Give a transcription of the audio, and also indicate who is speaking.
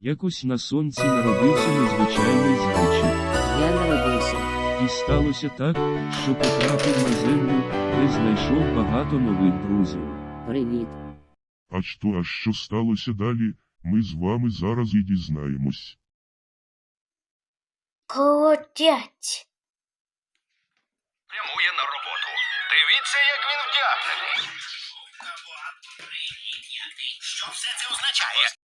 Speaker 1: Якось на сонці народився незвичайний зайчик.
Speaker 2: Я народився.
Speaker 1: І сталося так, що потрапив на землю, де знайшов багато нових друзів.
Speaker 2: Привіт.
Speaker 3: А що сталося далі, ми з вами зараз і дізнаємось.
Speaker 4: Колотять.
Speaker 5: Прямує на роботу. Дивіться, як він вдягнений. Що все це означає?